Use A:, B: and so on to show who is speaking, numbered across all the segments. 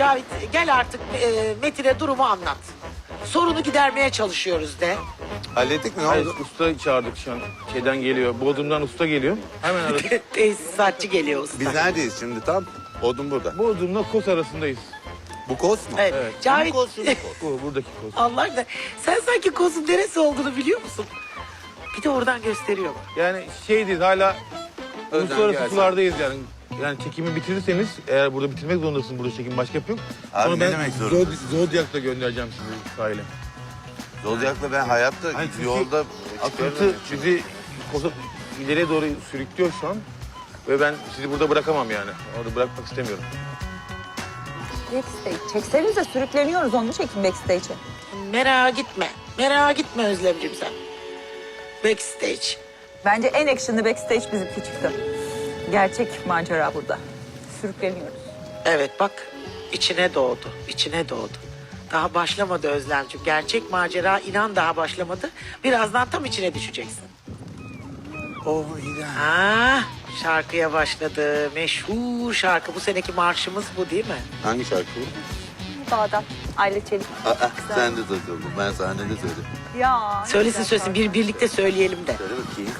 A: Cavit gel artık Metin'e durumu anlat. Sorunu gidermeye çalışıyoruz de.
B: Hallettik mi? Ne
C: Hayır,
B: oldu?
C: usta çağırdık şu an. Şeyden geliyor, Bodrum'dan usta geliyor. Hemen aradık.
A: Tesisatçı geliyor usta.
B: Biz neredeyiz şimdi tam? Odun burada.
C: Bodrum'la Kos arasındayız.
B: Bu kos mu?
A: Evet.
C: Evet.
A: Cavit
C: Bu buradaki Kos.
A: Allah aşkına sen sanki kozun neresi olduğunu biliyor musun? Bir de oradan gösteriyor.
C: Yani şeydeyiz hala
B: Özlem
C: uluslararası
B: gelsin.
C: sulardayız yani. Yani çekimi bitirirseniz eğer burada bitirmek zorundasınız burada çekim başka yok.
B: Abi ne
C: ben
B: demek zorundasın?
C: Zodyak'la göndereceğim sizi sahile.
B: Zodyak'la ben hayatta
C: Hayır, çünkü
B: yolda
C: Akıntı bizi Kos'a ileriye doğru sürüklüyor şu an. Ve ben sizi burada bırakamam yani. Orada bırakmak istemiyorum.
D: Backstage. Çeksenize sürükleniyoruz onu çekin backstage'e.
A: Merak gitme. Merak gitme Özlemciğim sen. Backstage.
D: Bence en action'lı backstage bizimki çıktı. Gerçek macera burada. Sürükleniyoruz.
A: Evet bak içine doğdu. İçine doğdu. Daha başlamadı Özlemciğim. Gerçek macera inan daha başlamadı. Birazdan tam içine düşeceksin.
B: Oh yine.
A: Ah, şarkıya başladı. Meşhur şarkı. Bu seneki marşımız bu değil mi?
B: Hangi şarkı bu?
D: Dağda. Aile Çelik.
B: Sen de takıldın. Ben sahnede söyledim.
D: Ya. ne
A: Söylesin
D: güzel
A: söylesin. Birlikte söyleyelim de.
B: Söyle bakayım.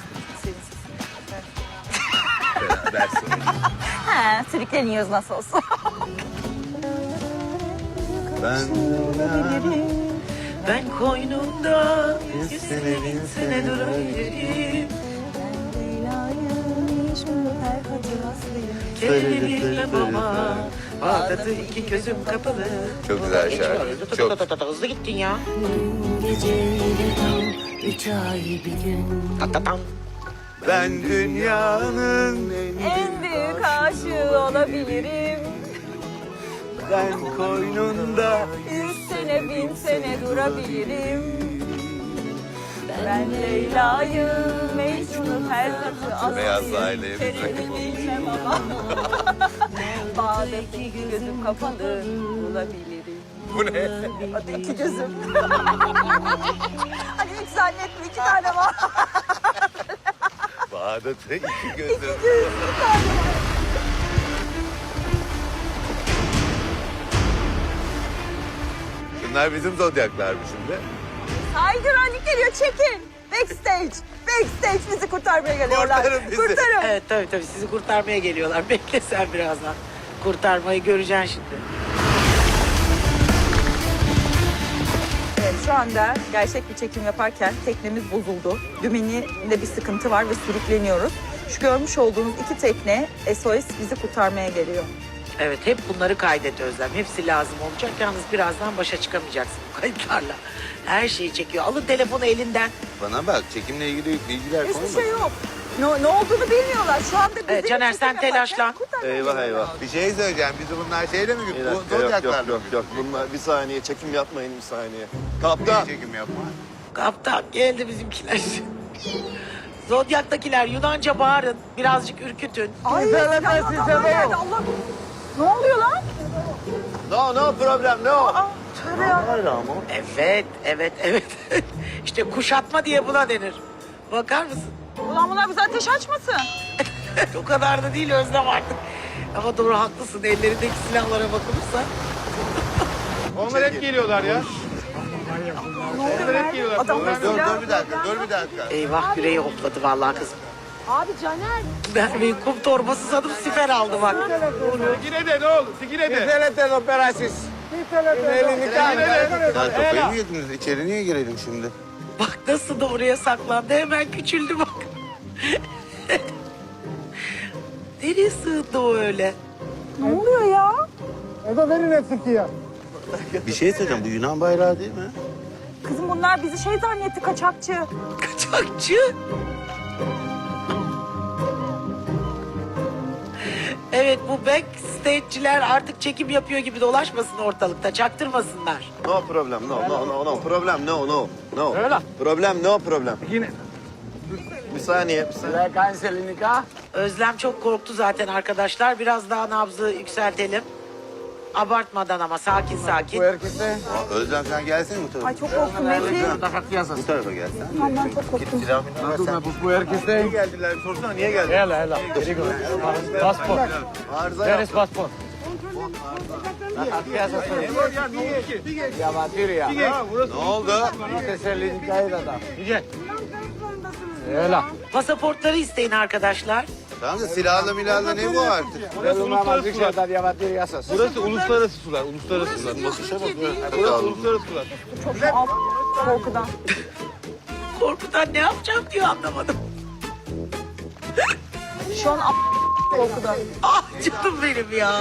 D: şarkı.
B: Beraber söyle.
D: He, sürükleniyoruz nasıl olsa.
B: Ben
A: Ben koynunda 100 sene 1000 sene durabilirim. Kendimi bilmem Bağdat'ı iki gözüm kapalı.
B: Çok güzel şarkı. Çok.
A: Hızlı gittin ya.
E: Geceyle tam 3 ay bir gün.
A: Tatatam.
B: Ben dünyanın
D: En büyük aşığı olabilirim.
B: ben koynunda
D: 100 sene 1000 sene durabilirim. Ben Leyla'yı, Mecnun'u her katı asayım.
B: Beyaz sahile
D: Terimi bilmem ama. Bağdat'ı iki gözüm kapalı bulabilirim.
B: Bu ne?
D: Hadi iki gözüm. Hani üç zannetme iki tane var.
B: Bağdat'ı iki gözüm.
D: Bir tane var.
B: Bunlar bizim zodyaklar mı şimdi?
D: Ay güvenlik geliyor çekin. Backstage. Backstage bizi kurtarmaya geliyorlar.
B: Kurtarın bizi.
D: Kurtarın.
A: Evet tabii sizi kurtarmaya geliyorlar. Bekle sen birazdan. Kurtarmayı göreceksin şimdi.
D: Evet, şu anda gerçek bir çekim yaparken teknemiz bozuldu. Dümeninde bir sıkıntı var ve sürükleniyoruz. Şu görmüş olduğunuz iki tekne SOS bizi kurtarmaya geliyor.
A: Evet hep bunları kaydet Özlem. Hepsi lazım olacak. Yalnız birazdan başa çıkamayacaksın bu kayıtlarla. Her şeyi çekiyor. Alın telefonu elinden.
B: Bana bak çekimle ilgili bilgiler konu
D: Hiçbir şey yok. Ne olduğunu bilmiyorlar. Şu anda bizim
A: Evet, Caner, sen
D: çekim yaparken
A: telaşlan.
D: kurtarmaya
F: Eyvah
D: geliyorlar.
F: eyvah.
B: Bir şey söyleyeceğim. Bizi bunlar şeyle mi
F: Bir
B: gidiyor?
F: dakika, yok
B: Zodyaklarla
F: yok
B: mı
F: yok yok. Bunlar bir saniye çekim yapmayın bir saniye. Kaptan.
B: Çekim yapma.
A: Kaptan geldi bizimkiler. Zodyak'takiler Yunanca bağırın. Birazcık ürkütün.
D: Ay, adamlar geldi. Allah. Ne oluyor lan?
F: No problem no.
D: Tövbe ya.
A: Evet. İşte kuşatma diye buna denir. Bakar mısın?
D: Ulan bunlar bize ateş açmasın.
A: O kadar da değil Özlem artık. Ama doğru haklısın. Ellerindeki silahlara bakılırsa.
C: Onlar hep geliyorlar ya. Onlar hep geliyorlar.
D: Adamlar
B: Dur
D: silah-
B: dur bir dakika.
A: Eyvah yüreği hopladı vallahi kızım.
D: Abi Caner.
A: Ben bir kum torbası sanıp siper aldı bak.
C: Sigine de ne oldu? Sigine de.
B: Sen kafayı mı yediniz? İçeri niye girelim şimdi?
A: Bak nasıl da oraya saklandı. Hemen küçüldü bak. Nereye sığındı o öyle?
D: Ne oluyor ya?
B: Bir şey söyleyeceğim. Bu Yunan bayrağı değil mi?
D: Kızım bunlar bizi şey zannetti kaçakçı.
A: Kaçakçı. Evet bu backstage'ciler artık çekim yapıyor gibi dolaşmasın ortalıkta. Çaktırmasınlar.
F: No problem no problem no.
C: Öyle.
F: Problem no problem.
C: Yine.
F: Bir saniye.
A: Özlem çok korktu zaten arkadaşlar. Biraz daha nabzı yükseltelim. Abartmadan ama sakin.
B: Özlem sen gelsene bu tarafa.
D: Ay çok korktum Metin.
B: Bu tarafa gelsen.
D: Aman ben çok korktum.
B: Silahını versen.
F: Niye geldiler? Sorsana niye geldiler?
C: Passport.
F: Arıza
C: Where
F: yap.
C: is passport?
B: Ne oldu?
C: Gel.
A: Pasaportları isteyin arkadaşlar.
B: Tamam da silahla milahla ne bu artık?
C: Burası uluslararası sular. Burası uluslararası sular. Uluslararası sular. Burası uluslararası sular.
D: Çok şu an korkudan.
A: Korkudan ne yapacağım diyor anlamadım.
D: Şu an korkudan.
A: Ah canım benim ya.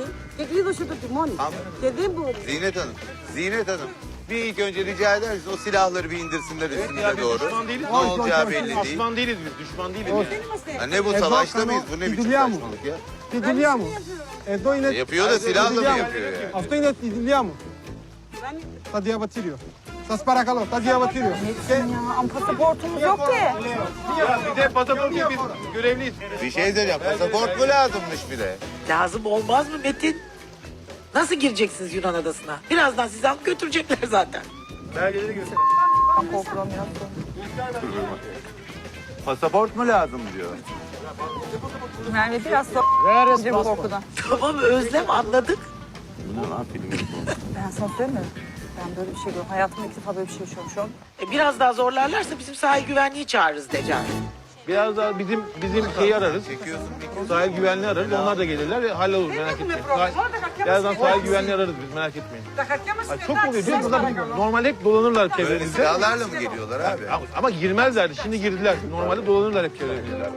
B: Zinet Hanım. Zinet Hanım. Bir ilk önce rica eder misiniz o silahları bir indirsinler üstümüze doğru.
C: Düşman değiliz.
B: Ne olacağı belli değil.
C: Düşman değiliz biz. Düşman değiliz yani.
B: Ya ne bu savaşta mıyız? Bu ne biçim saçmalık ya?
G: Ti togliamo.
B: Yapıyor da silahla mı yapıyor yani?
G: A sto ti togliamo. Sta di abatirio. Sta sparakalò, sta di abatirio.
D: Metin ya ama pasaportumuz yok ki.
C: Ya bir de pasaport yok, biz görevliyiz.
B: Bir şey söyleyeceğim. Pasaport mu lazımmış bir de?
A: Lazım olmaz mı Metin? Nasıl gireceksiniz Yunan adasına? Birazdan sizi alıp götürecekler zaten.
C: Belgeleri göster.
D: Ben korkudan biraz sonra.
B: Pasaport mu lazım diyor.
D: Merve biraz sonra korkudan.
A: Tamam Özlem anladık.
B: Bu ne lan film bu?
D: Ben sana söyleyeyim mi? Ben böyle bir şey görüyorum. Hayatımda ilk defa böyle bir şey yaşıyorum şu an.
A: Biraz daha zorlarlarsa bizim sahil güvenliği çağırırız Decan.
C: Biraz daha bizim şeyi ararız.
B: Çekiyorsun bir
C: Sahil güvenliği ararız. Onlar da gelirler ve hallolur merak etmeyin. Birazdan sahil güvenliği ararız biz merak etmeyin. Ay, çok oluyor değil mi? Burada normalde hep dolanırlar
B: Böyle
C: çevremizde.
B: silahlarla mı geliyorlar abi?
C: Ama girmezlerdi. Şimdi girdiler. Normalde dolanırlar hep çevremizde.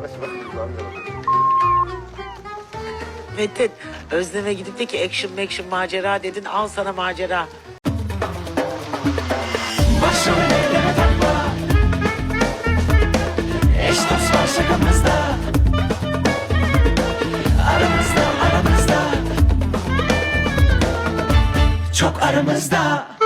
A: Metin Özlem'e gidip de ki action macera dedin al sana macera.
E: Başım ellere takma. Eş dost var şakamızda. Aramızda. Çok aramızda.